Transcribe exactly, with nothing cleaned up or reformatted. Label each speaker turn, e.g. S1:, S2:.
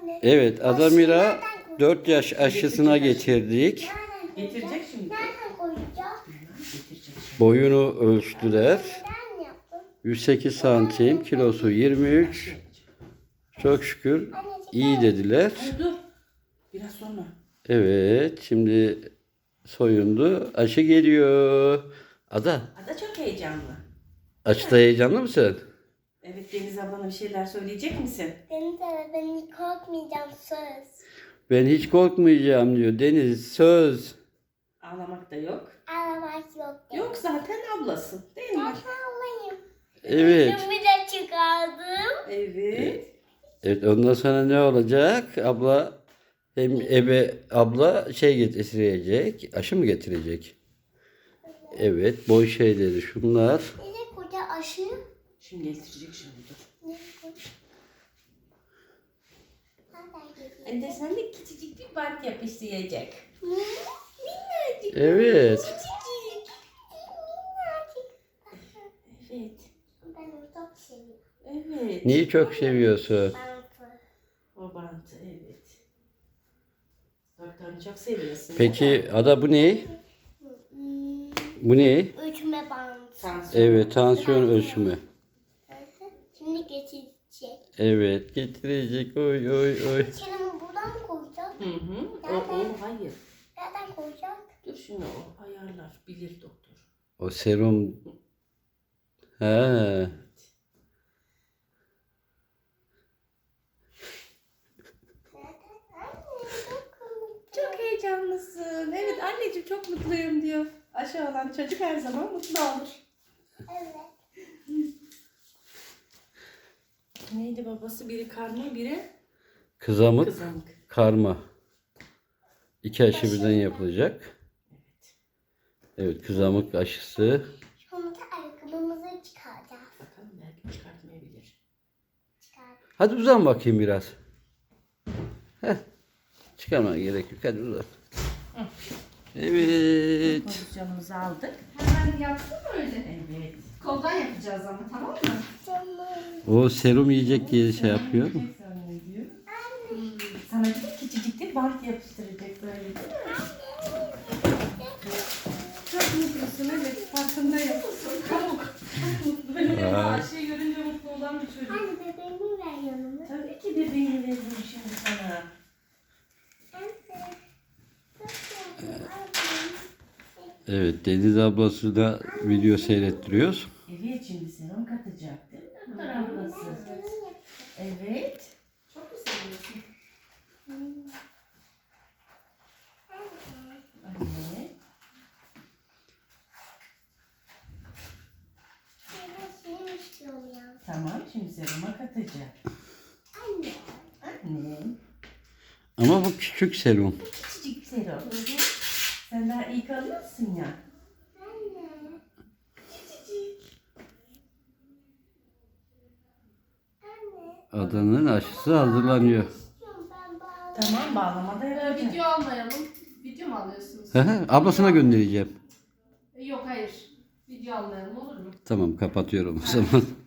S1: Evet, Adamira dört yaş aşısına getirdik.
S2: Getirecek şimdi.
S3: Nereden koyacağız?
S2: Getirecek şimdi.
S1: Boyunu ölçtüler.
S3: Neden yaptın?
S1: yüz sekiz santim, kilosu yirmi üç. Çok şükür iyi dediler.
S2: Ay dur. Biraz sonra.
S1: Evet, şimdi soyundu. Aşı geliyor. Ada,
S2: Ada çok heyecanlı.
S1: aşıda heyecanlı mısın?
S2: Evet, Deniz ablana bir şeyler söyleyecek misin?
S3: Deniz abi ben hiç korkmayacağım söz.
S1: Ben hiç korkmayacağım diyor. Deniz, söz.
S2: Ağlamak da yok.
S3: Ağlamak yok.
S2: Yok zaten ablasın değil mi?
S3: Ben ağlayayım.
S1: Evet.
S3: Yüzümü de çıkardım.
S2: Evet.
S1: Evet, ondan sonra ne olacak? Abla hem ebe abla şey getirecek. Aşı mı getirecek? Evet, boy şeyleri şunlar.
S3: Bir de koca aşı.
S2: Şimdi getirecek şimdi dur.
S3: Ne koca? Nereden geliyor?
S2: Anne sen de küçücük bir bant yapıştıracak.
S3: Minnacık.
S1: Evet.
S3: Küçücük. Minnacık.
S2: Evet.
S3: Ben onu çok seviyorum.
S2: Evet.
S1: Neyi çok seviyorsun?
S3: Bantı.
S2: O bantı evet. Doktorunu çok seviyorsun.
S1: Peki Ada bu ne?
S3: Hmm,
S1: Bu ne?
S3: Ölçme bantı.
S2: Tansiyon.
S1: Evet, tansiyon ölçümü.
S3: Şimdi geçecek.
S1: Evet, getirecek. Oy oy oy.
S3: Çenemi buradan mı koyacağız?
S2: Hı hı. O, o hayır.
S3: Nereden koyacağız?
S2: Dur şimdi o ayarlar. Bilir doktor.
S1: O serum. He.
S2: Çok heyecanlısın. Evet anneciğim çok mutluyum diyor. Aşı olan çocuk her zaman mutlu olur.
S3: Evet.
S2: Neydi babası? Biri karma, biri
S1: Kızamık,
S2: kızamık.
S1: karma. İki aşı birden yapılacak. Evet, kızamık aşısı.
S3: Sonra da ayakkabımızı çıkaracağız.
S2: Bakalım belki çıkartmayabilir.
S3: Çıkar.
S1: Hadi uzan bakayım biraz. Heh. Çıkarmana gerek yok. Hadi uzan. Evet.
S2: Pozisyonumuzu aldık.
S4: Hemen yaptın mı öyle?
S2: Evet.
S4: Koldan yapacağız ama tamam mı?
S3: Tamam.
S1: O serum yiyecek diye şey yapıyor.
S2: Yiyecek zannediyor. Hmm, Sana bir de küçücük bir bant yapıştıracak böyle değil mi? Çok mutlusun evet farkındayım. Çok, çok mutlu. Benim yanımda Ayşe'yi görünce mutlu olan bir çocuk.
S3: Anne bebeğimi ver yanıma.
S2: Tabii ki bebeğini veririm şimdi sana.
S3: Anne. Çok yakın.
S1: Evet, Deniz ablası da video seyrettiriyoruz.
S2: Evet şimdi serum katacak değil mi doktor ablası? Evet.
S4: Çok mu seviyorsun?
S2: Anne.
S3: Ben istiyorum ya.
S2: Tamam şimdi seruma katacak.
S3: Anne.
S2: Anne.
S1: Ama bu küçük serum.
S2: Küçücük serum. Sen daha iyi kalıyorsun ya.
S3: Anne.
S2: Küçücük.
S3: Anne.
S1: Adanın aşısı hazırlanıyor.
S3: İstiyorum ben bağlı.
S2: Tamam bağlamada
S4: Ee,
S2: yapacağım.
S4: video almayalım. Video mu alıyorsunuz?
S1: Hı hı, Ablasına göndereceğim.
S4: Ee, Yok hayır. Video almayalım olur mu?
S1: Tamam, kapatıyorum o zaman.